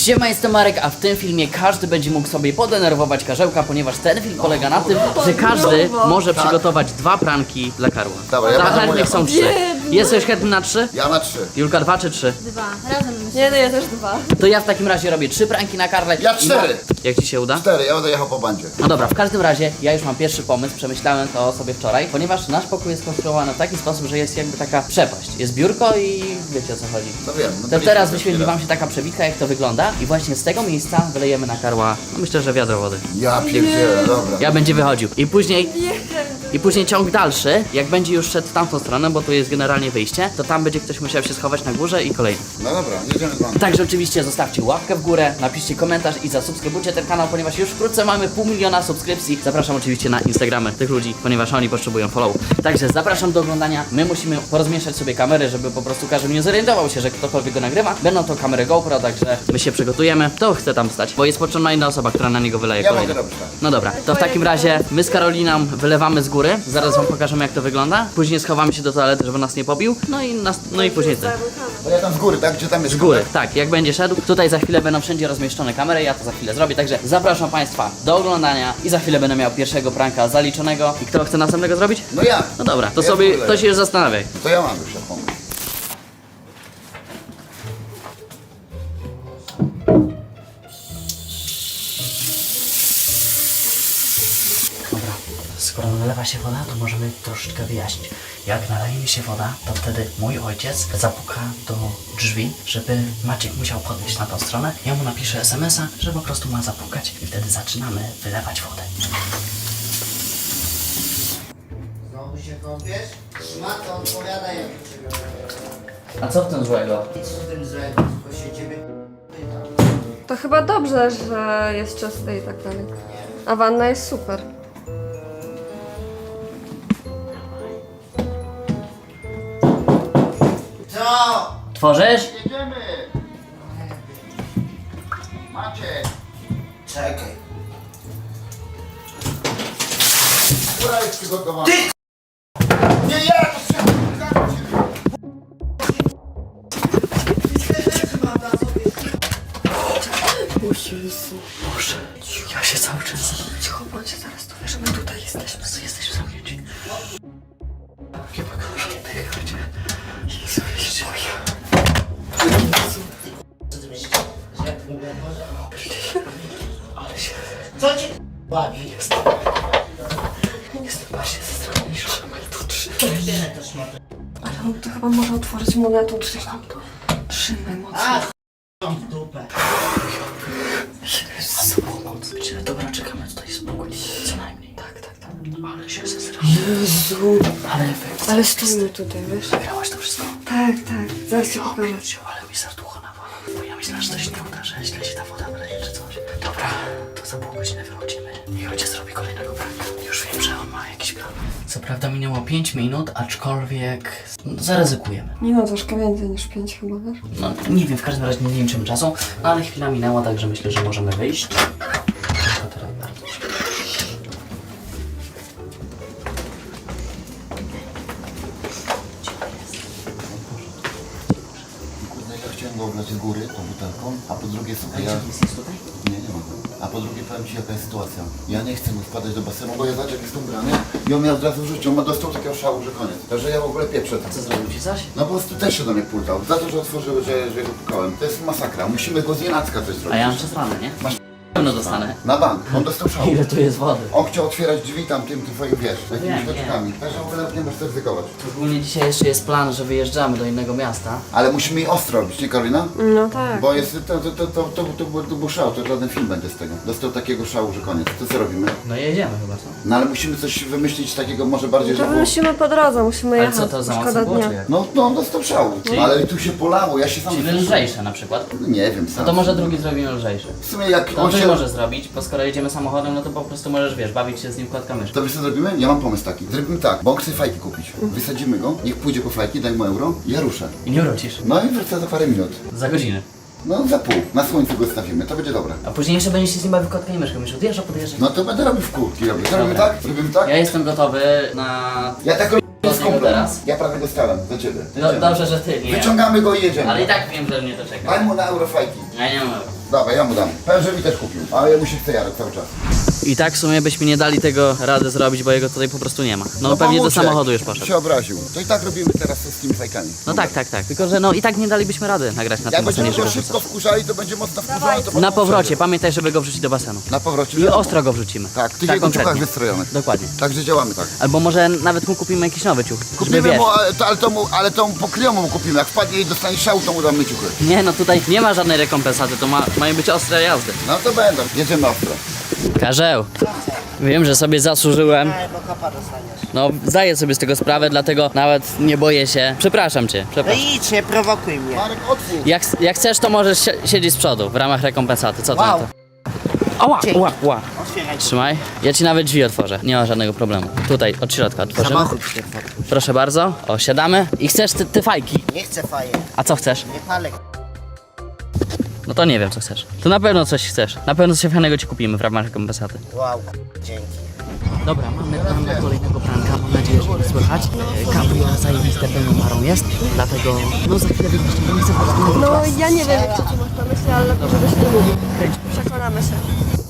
Siema, jestem Marek, a w tym filmie każdy będzie mógł sobie podenerwować Karzełka, ponieważ ten film polega na tym, że każdy może przygotować 2 pranki dla Karła. Dobra, ja Dla będę chętnych są 3. Jesteś chętny na 3? Ja na 3. Julka 2 czy 3? 2. Razem myślę. Nie, no ja też 2. To ja w takim razie robię 3 pranki na Karle. Ja 4. Jak ci się uda? 4, ja będę jechał po bandzie. No dobra, w każdym razie ja już mam pierwszy pomysł, przemyślałem to sobie wczoraj, ponieważ nasz pokój jest skonstruowany w taki sposób, że jest jakby taka przepaść. Jest biurko i wiecie o co chodzi. No wiem. No To teraz wyświetli wam się taka przebitka, jak to wygląda i właśnie z tego miejsca wylejemy na Karła, no myślę, że wiadro wody. Ja pierdzielę, dobra. Ja będzie wychodził. I później ciąg dalszy, jak będzie już szedł w tamtą stronę, bo tu jest generalnie wyjście, to tam będzie ktoś musiał się schować na górze i kolejny. No dobra, jedziemy z bandą. Także oczywiście zostawcie łapkę w górę, napiszcie komentarz i zasubskrybujcie ten kanał, ponieważ już wkrótce mamy 500 000 subskrypcji. Zapraszam oczywiście na Instagramy tych ludzi, ponieważ oni potrzebują follow. Także zapraszam do oglądania. My musimy porozmieszać sobie kamery, żeby po prostu każdy nie zorientował się, że ktokolwiek go nagrywa. Będą to kamery GoPro, także my się przygotujemy. Kto chce tam stać? Bo jest potrzebna inna osoba, która na niego wyleje Ja kolejny. mogę robić tak. No dobra, to w takim razie my z Karoliną wylewamy z góry. Zaraz wam pokażemy, jak to wygląda. Później schowamy się do toalety, żeby nas nie pobił. No i później ten. To ja tam z góry, tak? Gdzie tam jest Z góry, tak, jak będzie szedł. Tutaj za chwilę będą wszędzie rozmieszczone kamery, ja to za chwilę zrobię, także zapraszam Państwa do oglądania i za chwilę będę miał pierwszego pranka zaliczonego. I kto chce następnego zrobić? No ja. No dobra, to Ja sobie, w ogóle. to się już zastanawiaj. To ja mam już ja pomysł. Dobra, skoro nalewa się woda, to możemy troszeczkę wyjaśnić. Jak naleje mi się woda, to wtedy mój ojciec zapuka do drzwi, żeby Maciek musiał podejść na tą stronę. Ja mu napiszę SMS-a, że po prostu ma zapukać i wtedy zaczynamy wylewać wodę. Znowu się kąpiesz? Szmato, odpowiadaj jak ciebie. A co w tym złego? Nic w tym złego, tylko się ciebie pytam. To chyba dobrze, że jest czyste i tak dalej. A wanna jest super. Co? Tworzysz? Jedziemy! Macie! Czekaj. Góra jest przygotowana. Ty! Nie ja, to się... Boże, ja się cały czas... Cicho bądź, zaraz to wiesz, że my tutaj jesteśmy. Jesteśmy zamknięci. Nie pokażę, chodź. Jezu, jeszcze Co ty myślisz? Że jak mówię, może... ale się... Co cię bawi? Jestem właśnie zastraszony, ale to trzy. Otwieraj to szmatę. Ale on to chyba może otworzyć, mogę tu trzymam to. Trzymaj mocno. A, ch**ą w dupę. Jezu, pomoc. Dobra, czekamy tutaj spokój. Co najmniej. Tak. Ale się zastraszyłem. Jezu. Ale efekt. Ale stójmy tutaj, wiesz? Nagrałaś to wszystko? Tak. Zaraz ci pokażę. Ale mi serducho nawala. Bo ja myślałem, że to się nie uda, że źle się ta woda wyleje czy coś. Dobra, to za pół godziny wychodzimy. I ojciec zrobi kolejnego pranka. Już wiem, że on ma jakiś plan. Co prawda minęło 5 minut, aczkolwiek zaryzykujemy. Nie no, troszkę więcej niż 5 chyba, wiesz? No nie wiem, w każdym razie nie liczymy czasu, no ale chwila minęła, także myślę, że możemy wyjść. Tylko teraz bardzo szybko. Kurde, ja chciałem go oblać z góry tą butelką, a po drugie słuchaj, ja... Jest tutaj? Nie ma go. A po drugie powiem ci jaka jest sytuacja. Ja nie chcę mu wpadać do basenu, bo ja zobacz jak jest ubrany i on miał od razu w życiu, on ma dostał takiego szału, że koniec. Także ja w ogóle pieprzę tam. Co zrobił ci coś? No po prostu też się do mnie pultał. Za to, że otworzył, że go pukałem. To jest masakra. Musimy go z nienacka coś zrobić. A ja mam przesrane, nie? Masz Pewno dostanę. na bank. On dostał szału. Ile tu jest wody? On chciał otwierać drzwi tam tym twoim, wiesz, jakimiś Wiem, koczkami. Także w ogóle nie możesz ryzykować. Ogólnie dzisiaj jeszcze jest plan, że wyjeżdżamy do innego miasta. Ale musimy jej ostro robić, nie Karolina? No tak. Bo jest, to był szał, to żaden film będzie z tego. Dostał takiego szału, że koniec. To co robimy? No jedziemy chyba, co? No ale musimy coś wymyślić takiego może bardziej, To żeby... wymyślimy po drodze, musimy Ale jechać. co to za Szkoda mocno było, dnia. czy jak? No, on dostał szału. Czyli- Ale tu się polało, ja się sam... Czyli lżejsze na przykład. Nie wiem No sam. to może drugi zrobimy lżejszy. W sumie jak No on to nie się... może zrobić, bo skoro jedziemy samochodem, no to po prostu możesz, wiesz, bawić się z nim kładka myszka. To wiesz co zrobimy? Ja mam pomysł taki. Zrobimy tak, bo on chce fajki kupić. Wysadzimy go, niech pójdzie po fajki, daj mu euro, ja ruszę. I nie wrócisz. No i wrócę za parę minut. Za godzinę. No za pół. Na słońcu go stawimy, to będzie dobre. A później jeszcze będziesz się z nim bawił kładka i myszką. Myślisz, odjeżdża, podjeżdża. No to będę robił w kółki robię. Zrobimy Dobra. tak? Robimy tak? Ja jestem gotowy na... Ja tak robię z niego kumplem. teraz. Ja prawie go stałem, za ciebie. No, dobrze, że ty, nie. Wyciągamy go i jedziemy. Ale i tak wiem, że mnie to czeka. Daj mu na euro fajki. Ja nie mam. Dawaj, ja mu dam. Powiem, że mi też kupił, ale mu się chce Jarek cały czas. I tak w sumie byśmy nie dali tego rady zrobić, bo jego tutaj po prostu nie ma. No pewnie do pomóżcie, samochodu już poszedł. się obraził. To i tak robimy teraz z tymi fajkami. No tak. Tylko że no i tak nie dalibyśmy rady nagrać na Jak tym basenie, będziemy go żeby szybko wkurzali, to będzie mocno wkurzony. To Na potem powrocie, przejdzie. pamiętaj, żeby go wrzucić do basenu. Na powrocie. I wiadomo. ostro go wrzucimy. Tak, w tych jego ciuchach konkretnie. wystrojonych. Dokładnie. Także działamy tak. Albo może nawet mu kupimy jakiś nowy ciuch. Żeby Kupimy wiesz. mu, ale to mu pokryjomu mu kupimy. Jak wpadnie i dostanie szału, to mu damy ciuchy. Nie no tutaj nie ma żadnej rekompensaty, to mają być ostre jazdy. No to będą. Jedziemy ostro. Karzeł, wiem, że sobie zasłużyłem. Nie, bo kopa dostaniesz. No zdaję sobie z tego sprawę, dlatego nawet nie boję się. Przepraszam cię, No przepraszam. idź, nie prowokuj mnie. Marek, otwórz. Jak chcesz, to możesz siedzieć z przodu w ramach rekompensaty. Co ty Wow. na to? Ała, Dzięki. ła. Otwieraj. Trzymaj. Ja ci nawet drzwi otworzę. Nie ma żadnego problemu. Tutaj, od środka otworzymy. Samochód się otwórz. Proszę bardzo. O, siadamy. I chcesz te fajki. Nie chcę faje. A co chcesz? Nie palę. No to nie wiem, co chcesz. To na pewno coś chcesz. Na pewno coś fajnego ci kupimy w ramach rekompensaty. Wow. Dzięki. Dobra, mamy plan na kolejnego pranka. Mam nadzieję, że nie słychać. Cabrio zajebiste pełną parą jest. Dlatego, no za chwilę wyjdziesz. Nie chcę po prostu... No ja nie wiem, co tu masz na myśli, ale lepiej, żebyś nie mówił. Przekonamy się.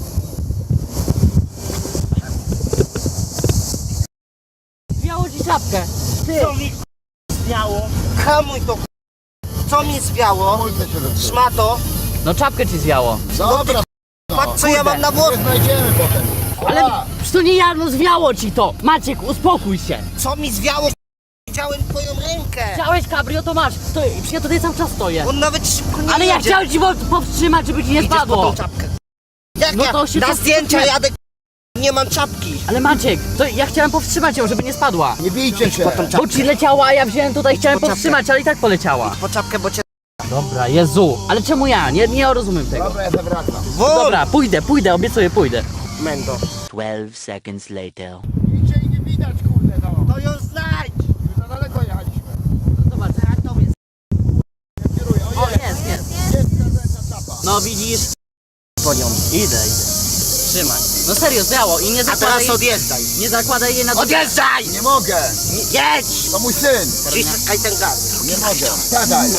Zwiało ci czapkę. Co mi zwiało? Hamuj to. Co mi zwiało? Mulce się zepsuły. Szmato. No czapkę ci zwiało. Dobra, Patrz co ja mam na włosku. nie znajdziemy potem. Ale przecież to nie ja, no zwiało ci to. Maciek, uspokój się. Co mi zwiało? Widziałem twoją rękę. Chciałeś cabrio, to masz. To, przecież ja tutaj cały czas stoję. On nawet szybko nie Ale ja jedzie. chciałem ci powstrzymać, żeby ci nie Idziesz po spadło. tą czapkę. Jak No ja to się na zdjęcia powstrzymaj. jadę, nie mam czapki. Ale Maciek, to ja chciałem powstrzymać ją, żeby nie spadła. Nie bijcie się. Bo ci leciała, a ja wziąłem tutaj, chciałem Po czapkę. powstrzymać, ale i tak poleciała. Po czapkę, bo cię... Dobra, Jezu. Ale czemu ja? Nie rozumiem tego. Dobra, ja zawracam. Wol! Dobra, pójdę, obiecuję, pójdę. Mendo. 12 seconds later. Idzie i nie widać, kurde, no. To ją znajdź. Już za daleko jechaliśmy. Zobacz, Nie kieruję. O, o jest. jest ta czapa. No widzisz? Po nią. Idę. Trzymaj. No serio, zwiało i nie A zakładaj, teraz odjeżdżaj. nie zakładaj jej na to. Odjeżdżaj! Nie mogę. Jedź! To mój syn. Ciskaj ten gaz. Nie mogę. Siadaj.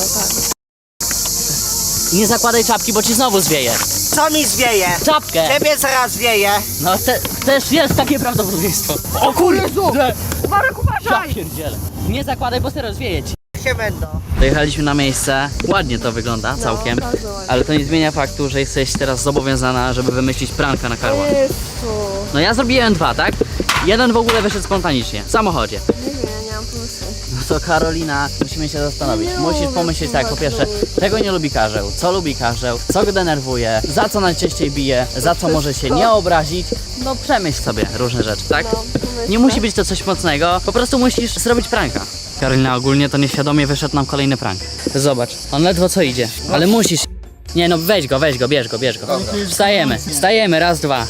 Nie zakładaj czapki, bo ci znowu zwieje. Co mi zwieje? Czapkę! Ciebie zaraz zwieje. No też jest takie prawdopodobieństwo. O kurde! Marek, Ja uważaj! pierdzielę. Nie zakładaj, bo serio zwieje ci. Się Mendo. Dojechaliśmy na miejsce, ładnie to wygląda całkiem, bardzo ładnie. ale to nie zmienia faktu, że jesteś teraz zobowiązana, żeby wymyślić pranka na Karła. Jezu. No ja zrobiłem 2, tak? Jeden w ogóle wyszedł spontanicznie, w samochodzie. Nie wiem, ja nie mam pomysłu. No to Karolina, musimy się zastanowić. Nie Musisz lubię pomyśleć tak, po słuchać pierwsze, ludzi. czego nie lubi Karzeł, co lubi Karzeł, co go denerwuje, za co najczęściej bije, za co może się nie obrazić. No przemyśl sobie różne rzeczy, tak? No, pomyślę. Nie musi być to coś mocnego, po prostu musisz zrobić pranka. Karolina ogólnie to nieświadomie wyszedł nam kolejny prank. Zobacz, on ledwo co idzie, ale musisz. Nie no, weź go, bierz go. Wstajemy, raz, dwa.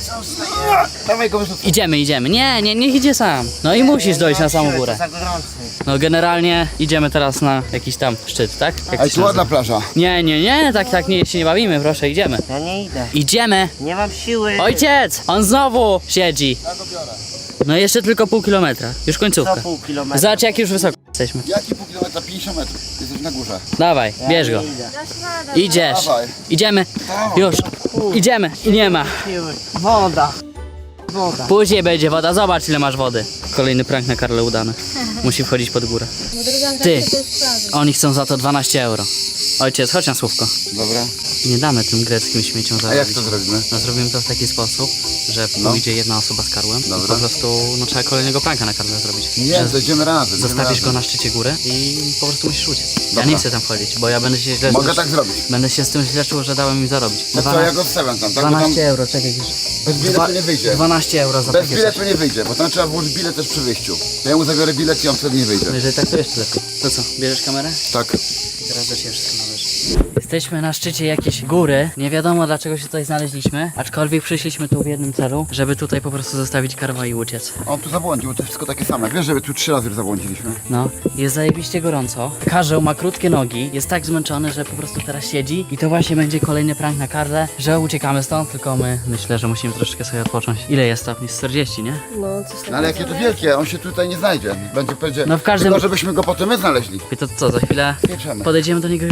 Dawaj go wyrzucę. Idziemy. Nie, niech idzie sam. No i musisz dojść na samą górę. To za gorący. No generalnie idziemy teraz na jakiś tam szczyt, tak? Jak A to się tu ładna nazywa? plaża. Nie, tak nie, się nie bawimy, proszę, idziemy. Ja nie idę. Idziemy! Nie mam siły. Ojciec! On znowu siedzi. Ja go biorę. No jeszcze tylko pół kilometra, już końcówka. Co pół kilometra. Zobacz jak już wysoko jesteśmy. Jaki pół kilometra? 50 metrów. Jesteś na górze. Dawaj, bierz go. Nie idę. Idziesz. Dawaj. Idziemy. Już. Idziemy. I nie ma. Siły. Woda. Później będzie woda, zobacz ile masz wody. Kolejny prank na Karle udany. Musi wchodzić pod górę. Ty, oni chcą za to 12 euro. Ojciec, chodź na słówko. Dobra. Nie damy tym greckim śmieciom A jak zarobić. to zrobimy? No zrobimy to w taki sposób, że No. pójdzie jedna osoba z Karłem i Dobra. po prostu no, trzeba kolejnego pranka na Karle zrobić. Nie, Że zejdziemy razem. zostawisz go na szczycie góry i po prostu musisz uciec. Ja Dobra. nie chcę tam wchodzić, bo ja będę się źle Mogę czuł. tak zrobić. Będę się z tym źle czuł, że dałem im zarobić. No to ja go wstawiam tam, tak? Bo tam 12 euro, czekaj już. bez biletu nie wyjdzie. 12 euro za Bez takie biletu coś. nie wyjdzie, bo tam trzeba włożyć bilet też przy wyjściu. To ja mu zabiorę bilet i on wtedy nie wyjdzie. No jeżeli tak, to jeszcze lepiej. To co, bierzesz kamerę? Tak. I teraz do ciebie wszystko należy. Jesteśmy na szczycie jakiejś góry. Nie wiadomo dlaczego się tutaj znaleźliśmy, aczkolwiek przyszliśmy tu w jednym celu, żeby tutaj po prostu zostawić Karła i uciec. On tu zabłądził, to jest wszystko takie same. Wiesz, że tu 3 razy już zabłądziliśmy. No, jest zajebiście gorąco. Karzeł ma krótkie nogi, jest tak zmęczony, że po prostu teraz siedzi. I to właśnie będzie kolejny prank na Karle, że uciekamy stąd, tylko my myślę, że musimy troszeczkę sobie odpocząć. Ile jest stopni? 40, nie? No, coś takiego. No ale jakie to wielkie, on się tutaj nie znajdzie. Będzie powiedział, No w każdym- tylko żebyśmy go potem my znaleźli. I to co, za chwilę Pieczemy. podejdziemy do niego i uciekamy stąd.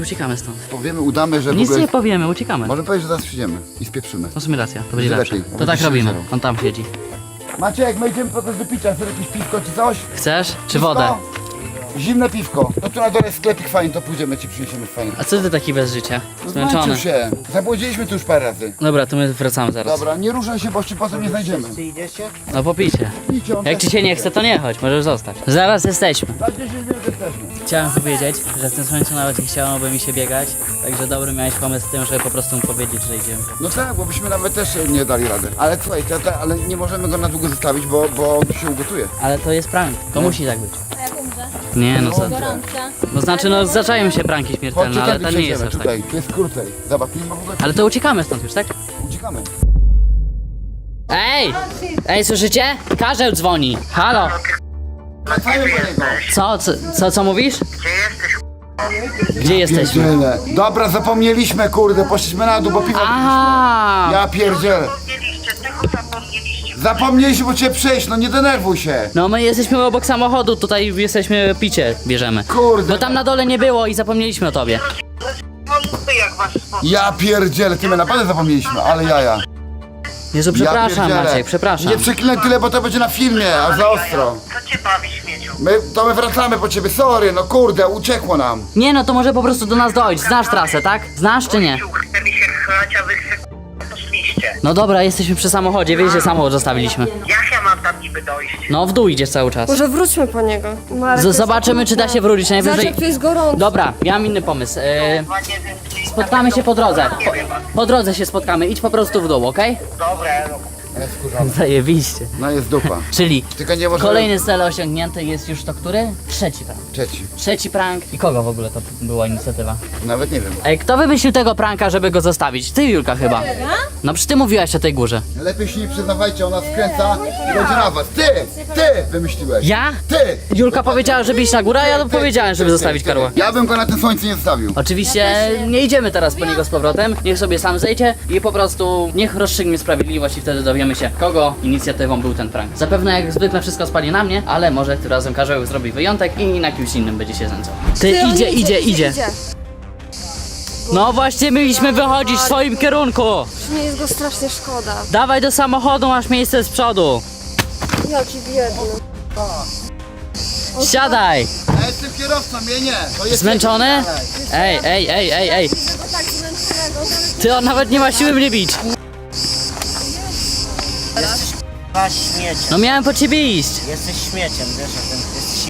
stąd. Powiemy, udamy, że w Nic ogóle... nie powiemy, uciekamy. Możemy powiedzieć, że zaraz przyjdziemy i spieprzymy. No w sumie racja, to będzie Będzie lepsze. lepiej, To będzie tak robimy. szczerze. On tam siedzi. Maciek, my idziemy po coś do picia, chcesz jakieś piwko czy coś? Chcesz? Czy Piwko? wodę? Zimne piwko. No tu na dole jest sklepik fajny, to pójdziemy, ci przyniesiemy fajny. A co ty taki bez życia? Zmęczony. Zmęczył się. Zabłodziliśmy tu już parę razy. Dobra, to my wracamy zaraz. Dobra, nie ruszaj się, bo ci potem nie znajdziemy. Ty idziecie? No popijcie. Idźcie, on Jak też ci się nie idzie. chce, to nie chodź, możesz zostać. Zaraz jesteśmy. Za 10 minut jesteśmy. Chciałem powiedzieć, że w tym słońcu nawet nie chciałoby mi się biegać, także dobry miałeś pomysł z tym, żeby po prostu mu powiedzieć, że idziemy. No tak, bo byśmy nawet też nie dali rady. Ale słuchaj, ale nie możemy go na długo zostawić, bo on się ugotuje. Ale to jest prank, to musi tak być. A jak umrze? Nie no co? Gorąca. No znaczy no zdarzają się pranki śmiertelne, Chodźcie, ale tędy to nie jest przejdziemy, aż tak. tutaj, tu jest krócej. Zobacz, nie ma w ogóle... Ale to uciekamy stąd już, tak? Uciekamy. Ej! Ej, słyszycie? Karzeł dzwoni. Halo! Wracajmy po niego. Co mówisz? Gdzie jesteśmy? Pierdziele. Dobra, zapomnieliśmy, kurde, poszliśmy na dół, bo piwo... Aha! Ja pierdzielę. Zapomnieliśmy, bo cię przejść, no nie denerwuj się. No my jesteśmy obok samochodu, tutaj jesteśmy picie, bierzemy. Kurde. Bo tam na dole nie było i zapomnieliśmy o tobie. Ja pierdzielę, ty my naprawdę zapomnieliśmy, ale jaja. Jezu, przepraszam pierdzielę. Maciek, przepraszam. Nie przeklinaj tyle, bo to będzie na filmie, a za ostro. Co cię bawi, śmieciu? My wracamy po ciebie, sorry, no kurde, uciekło nam. Nie no, to może po prostu do nas dojść. Znasz trasę, tak? Znasz czy nie? Chce mi się chlać, a wy poszliście. No dobra, jesteśmy przy samochodzie, wiesz, że samochód zostawiliśmy. Jak ja mam tam niby dojść? No w dół idziesz cały czas. Może wróćmy po niego. Marek jest Zobaczymy, czy da się wrócić Zobacz, najwyżej. jak tu jest gorąco. Dobra, ja mam inny pomysł. Chyba nie wiem, czy... Spotkamy się po drodze. Po drodze się spotkamy, idź po prostu w dół, okej? Dobra, no. Ale skurzony. Zajebiście. No jest dupa. Czyli Tylko nie możemy... kolejny cel osiągnięty jest już to który? Trzeci prank. Trzeci. Trzeci prank. I kogo w ogóle to była inicjatywa? Nawet nie wiem. Ej, kto wymyślił tego pranka, żeby go zostawić? Ty, Julka, chyba. No przecież ty mówiłaś o tej górze. Lepiej się nie przyznawajcie, ona skręca i będzie na was. Ty wymyśliłeś. Ja? Ty! Julka powiedziała, żeby iść na górę, a ja powiedziałem, żeby zostawić Karła. Ja bym go na tym słońcu nie zostawił. Oczywiście nie idziemy teraz po niego z powrotem, niech sobie sam zejdzie i po prostu niech rozstrzygnie sprawiedliwość i wtedy dowiemy się, kogo inicjatywą był ten prank. Zapewne jak zwykle wszystko spali na mnie, ale może tym razem Karzeł zrobi wyjątek i na kimś innym będzie się znęcał. Ty, on idzie. No właśnie mieliśmy wychodzić w swoim kierunku. Mnie jest go strasznie szkoda. Dawaj do samochodu, masz miejsce z przodu. Jaki biedny. Siadaj. Ja jestem kierowcą, mnie nie. To jest Zmęczony? Ej. Tak zmęczonego. Ty, on nawet nie ma siły mnie bić. Masz śmieciem. No miałem po ciebie iść. Jesteś śmieciem, wiesz o tym. Jesteś...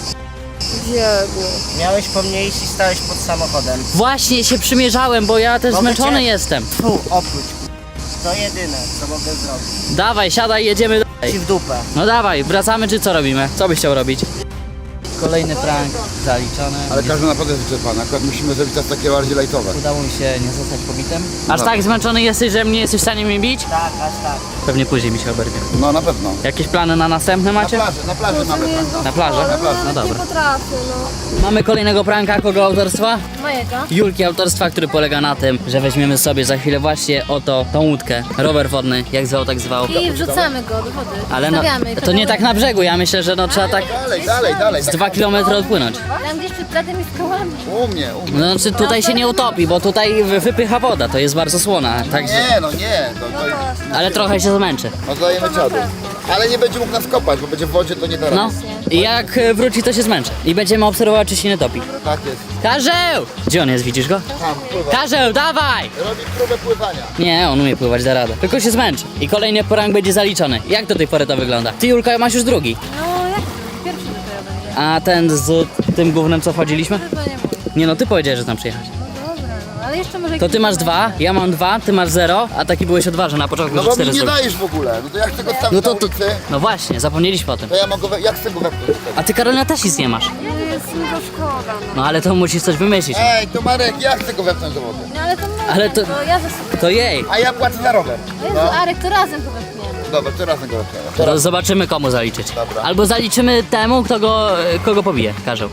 Biedny. Miałeś po mnie iść i stałeś pod samochodem. Właśnie się przymierzałem, bo ja też Mogę zmęczony cię- jestem. Tu, oprócz. To jedyne, co mogę zrobić. Dawaj, siadaj, jedziemy dalej. Ci w dupę. No dawaj, wracamy czy co robimy? Co byś chciał robić? Kolejny prank zaliczony. Ale każdy naprawdę jest wyczerpany, akurat musimy zrobić teraz takie bardziej lajtowe. Udało mi się nie zostać pobitym. Aż tak zmęczony jesteś, że mnie jesteś w stanie mnie bić? Tak, aż tak. Pewnie później mi się oberwie. No na pewno. Jakieś plany na następne macie? Na plaży mamy pan. Na plaży? No dobra. Nie potrafię, no. Mamy kolejnego pranka, kogo autorstwa? Mojego. Julki autorstwa, który polega na tym, że weźmiemy sobie za chwilę właśnie oto tą łódkę, rower wodny, jak zwał, tak zwał. I wrzucamy go do wody. Ale no, Stawiamy. to nie tak na brzegu, ja myślę, że no trzeba tak Dalej. z 2 km odpłynąć. Tam gdzieś przed platem i skałami. U mnie. No znaczy tutaj się nie utopi, bo tutaj wypycha woda, to jest bardzo słona, także... Nie. Ale trochę się zmęczy. Oddajemy dziadu. Ale nie będzie mógł nas kopać, bo będzie w wodzie, to nie da rady. No i jak wróci, to się zmęczy. I będziemy obserwować, czy się nie topi. Tak jest. Karzeł! Gdzie on jest, widzisz go? Tam, pływa. Karzeł, dawaj! Robi próbę pływania. Nie, on umie pływać, da radę. Tylko się zmęczy. I kolejny prank będzie zaliczony. Jak do tej pory to wygląda? Ty, Julka, masz już drugi. No jak pierwszy dopiero będzie. A ten z tym gównem, co wchodziliśmy? Chyba nie mówię. Nie no, ty powiedziałeś, że tam przyjechać. No dobra, no ale jeszcze może... To ty masz 2, ja mam 2, ty masz 0, a taki byłeś o 2, że na początku No że bo 4 mi nie zrobić. dajesz w ogóle. No to jak chcę go stawić No to, na to, ulicy, no właśnie, zapomnieliśmy o tym. to ja mogę jak chcę go wepchnąć wtedy. A ty, Karolina, też nic nie masz. Jest mi go szkoda. No ale to musisz coś wymyślić. Ej, to Marek, ja chcę go wepchnąć do wody. No ale to może, Ale to- to ja zasuwam. To jej. A ja płacę za rower. Jezu, Arek, to razem go wepchniemy. Dobra, to razem go wepchniemy. To zobaczymy, komu zaliczyć. Dobra. Albo zaliczymy temu, kogo pobije, Karzeł.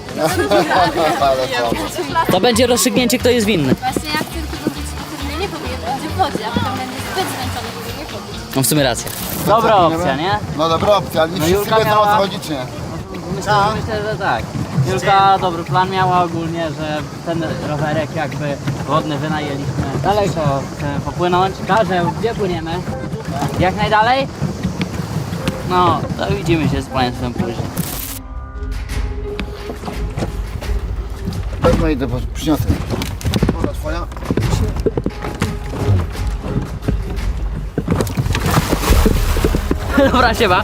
Ale co? To będzie rozstrzygnięcie, kto jest winny. Właśnie jak tylko go gdzieś nie pobije, to będzie w wodzie, a potem będzie zbyt zmęczony, żeby nie pobić. No w sumie rację. Dobra opcja, nie? No dobra opcja, ale nie wszyscy Julka wiedzą o co miała- chodzi, czy nie? Myślę, że tak. Julka dobry plan miała ogólnie, że ten rowerek jakby wodny wynajęliśmy. Daleko chcemy popłynąć. Karzeł, gdzie płyniemy? Jak najdalej? No, to widzimy się z państwem później. Pewno idę, bo przyniosę. Woda twoja? Dobra, siema.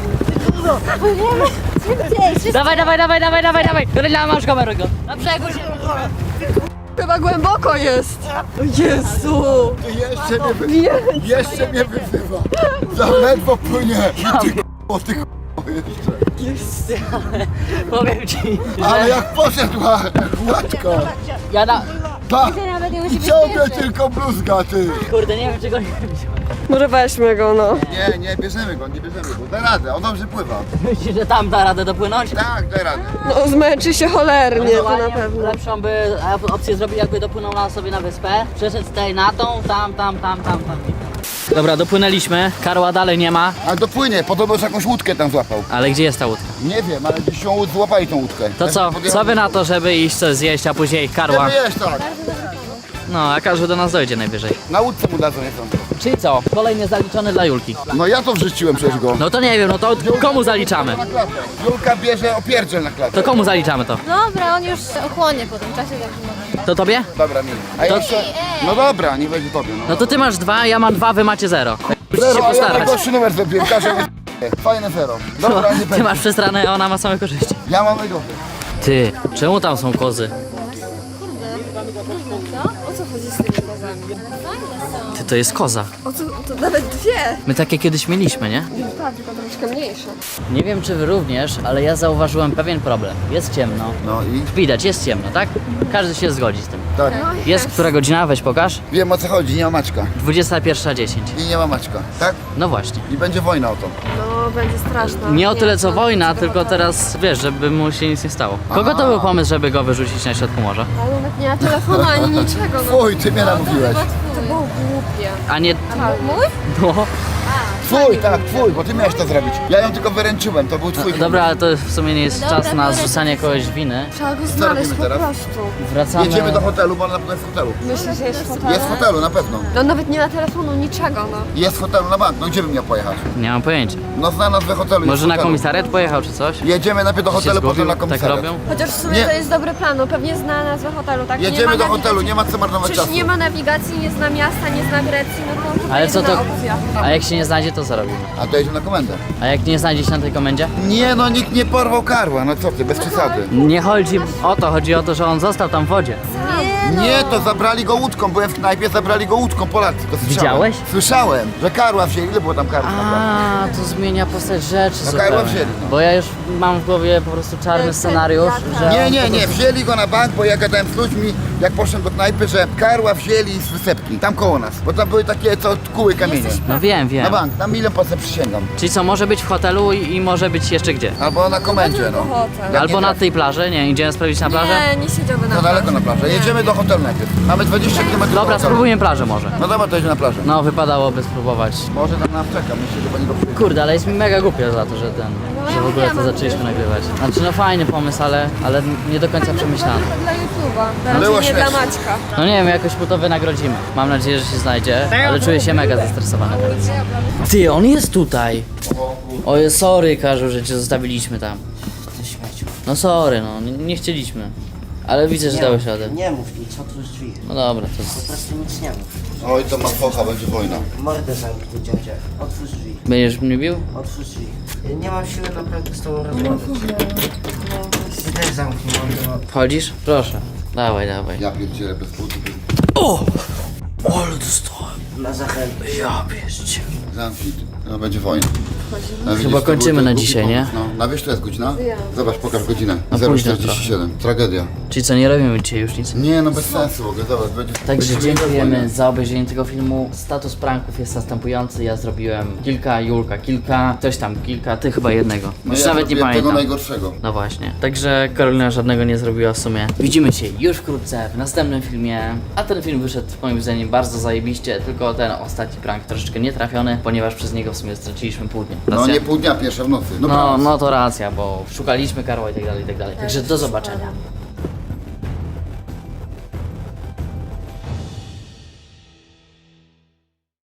Dawaj, dawaj, dawaj, dawaj, dawaj, dawaj. Goryla, masz kamerę go. Na brzegu się. Chyba głęboko jest. O Jezu. Jeszcze mnie wyzywa. Za ledwo płynie. Ty k***o, ty k***o jeszcze. Powiem ci, Ale że jak poszedł łatko. ja na... Pa! I ciągle tylko bluzga, ty. Kurde, nie wiem czego nie wziąłem. Może weźmy go, no. Nie bierzemy go, Da radę, on dobrze pływa. Myślisz, że tam da radę dopłynąć? Tak, da radę. No zmęczy się cholernie, to na Ewentualnie pewno. lepszą by opcję zrobił, jakby dopłynął na sobie na wyspę. Przeszedł tutaj na tą, tam. Dobra, dopłynęliśmy. Karła dalej nie ma. Ale dopłynie, podobno że jakąś łódkę tam złapał. Ale gdzie jest ta łódka? Nie wiem, ale gdzieś ją złapali tą łódkę. To co wy na to, żeby iść coś zjeść, a później karła? Chcemy jeść, tak. No, a każdy do nas dojdzie najwyżej. Na łódce mu dadzą, nie sądzę. Czyli co? Kolejny zaliczony dla Julki. No ja to wrzuciłem przecież go. No to nie wiem, no to komu zaliczamy? Na klatę. Julka bierze opierdziel na klatę. To komu zaliczamy to? Dobra, on już ochłonie po tym czasie, jak To tobie? Dobra, mi. A To- jeszcze... No dobra, nie będzie tobie, no. No to ty masz 2, ja mam 2, wy macie 0. Musicie się Zero, a ja postarać. najgorszy numer zrobiłem, każę fajne zero. Dobra, nie Ty będzie. masz przestranę, a ona ma same korzyści. Ja mam najgorszy. Ty, czemu tam są kozy? O co chodzi z tymi kozami? Ty, to jest koza. O co? To nawet dwie. My takie kiedyś mieliśmy, nie? Tak, tylko troszkę mniejsze. Nie wiem czy wy również, ale ja zauważyłem pewien problem. Jest ciemno. No i? Widać, jest ciemno, tak? Każdy się zgodzi z tym. Tak. Jest która godzina? Weź pokaż. Wiem o co chodzi, nie ma Maćka. 21:10. I nie ma Maćka, tak? No właśnie. I będzie wojna o to. No, będzie straszna. Nie o tyle co no, wojna, do tylko hotelu. teraz wiesz, żeby mu się nic nie stało. Kogo to był pomysł, żeby go wyrzucić na środku morza? Ale nawet nie ma telefonu ani niczego, no. Fuj, ty mnie namówiłeś. To było głupie. A nie... Mój? No. Twój, tak, twój, bo ty miałeś to zrobić. Ja ją tylko wyręczyłem, to był twój. Dobra, ale to w sumie nie jest czas na zrzucanie kogoś winy. Trzeba go znaleźć robimy po teraz? prostu. Wracamy... Jedziemy do hotelu, bo ona na pewno jest w hotelu. Myślę, że jest w hotelu. Jest w hotelu, na pewno. No nawet nie ma telefonu, niczego, no. Jest w hotelu na bank, no gdzie bym miał pojechać? Nie mam pojęcia. No zna nazwę hotelu. Może jest w na hotelu. komisariat pojechał czy coś? Jedziemy najpierw do Się hotelu, potem zgubił? na Tak komisariat. robią? Chociaż w sumie Nie. to jest dobry plan, no pewnie zna nazwę hotelu, tak? Nie Jedziemy ma do nawigacji. hotelu, nie ma co marnować Przecież czasu. nie ma nawigacji, nie zna miasta, nie zna Grecji, no to chyba Ale co to... jedyna opcja. A jak się nie znajdzie, to co robimy? A to jedziemy na komendę. A jak nie znajdzie się na tej komendzie? Nie no, nikt nie porwał karła, no co ty, bez przesady. Nie chodzi o to, chodzi o to, że on został tam w wodzie. Nie, to zabrali go łódką, byłem w knajpie, zabrali go łódką, Polacy, to słyszałem. Widziałeś? Słyszałem, że karła wzięli, ile było tam karła? A, to zmienia postać rzeczy No zupełnie. karła wzięli, no. Bo ja już mam w głowie po prostu czarny scenariusz, że... Nie, on nie, po nie, prostu- wzięli go na bank, bo ja gadałem z ludźmi, jak poszedłem do knajpy, że karła wzięli z wysepki, tam koło nas, bo tam były takie, co kuły kamienie. No wiem, Na wiem. bank, na milion procent przysięgam. Czyli co, może być w hotelu i może być jeszcze gdzie? Albo na komendzie, no. Hotel. Jak Albo nie na trafi- tej plaży? Nie, idziemy sprawdzić na plażę? Nie, nie siedziałby na To daleko na plaży. plażę. Jedziemy do hotelu najpierw. Mamy 20 km do Dobra, hotelu. spróbujemy plażę może. No dobra, to jedziemy na plażę. No, wypadałoby spróbować. Może tam nas czeka, myślę, że pani go przyjdzie. Kurde, ale jest mi mega głupio za to, że że w ogóle to zaczęliśmy nagrywać. Znaczy no fajny pomysł, ale nie do końca przemyślany. To dla YouTube'a, Było raczej nie dla śmieszne. Maćka. No nie wiem, jakoś mu to wynagrodzimy. Mam nadzieję, że się znajdzie, ale czuję się mega zestresowany teraz. Ty, on jest tutaj! Oje, sorry, Karzu, że cię zostawiliśmy tam. Ty śmieciu. No sorry, no, nie chcieliśmy. Ale widzę, że dałeś radę. Nie mów nic, otwórz drzwi. No dobra, to Po prostu nic nie mów. Oj, to ma focha, będzie wojna. Mordę zamknij, dziadzie. Otwórz drzwi. będziesz mnie bił? Otwórz drzwi. Nie mam siły naprawdę z tobą rozmawiać. Ty też zamknij mordę. Wchodzisz? Proszę. Dawaj, dawaj. Ja pierdzielę bez butu. O! Ale dostałem. Na zachętę. Ja pierdzie. Zamknij. No będzie wojna. No, widzisz, Chyba to kończymy był na ten dzisiaj, głupi nie? pomysł, No, na wiesz, to jest godzina? Zobacz, pokaż godzinę. A późno 0,47. Tragedia. Czyli co, nie robimy dzisiaj już nic? Nie, no bez sensu w ogóle, zobacz, będzie... Także będzie dziękujemy wojna. za obejrzenie tego filmu. Status pranków jest następujący. Ja zrobiłem kilka, Julka kilka, ktoś tam kilka, ty chyba jednego. No Już ja nawet nie zrobiłem tego pamiętam. najgorszego. No właśnie. Także Karolina żadnego nie zrobiła w sumie. Widzimy się już wkrótce w następnym filmie. A ten film wyszedł moim zdaniem bardzo zajebiście, tylko ten ostatni prank troszeczkę nietrafiony, ponieważ przez niego w sumie straciliśmy pół dnia. No Racja? nie pół dnia, pierwsza w nocy. No to racja, bo szukaliśmy Karła i tak dalej, i tak dalej. Także do zobaczenia.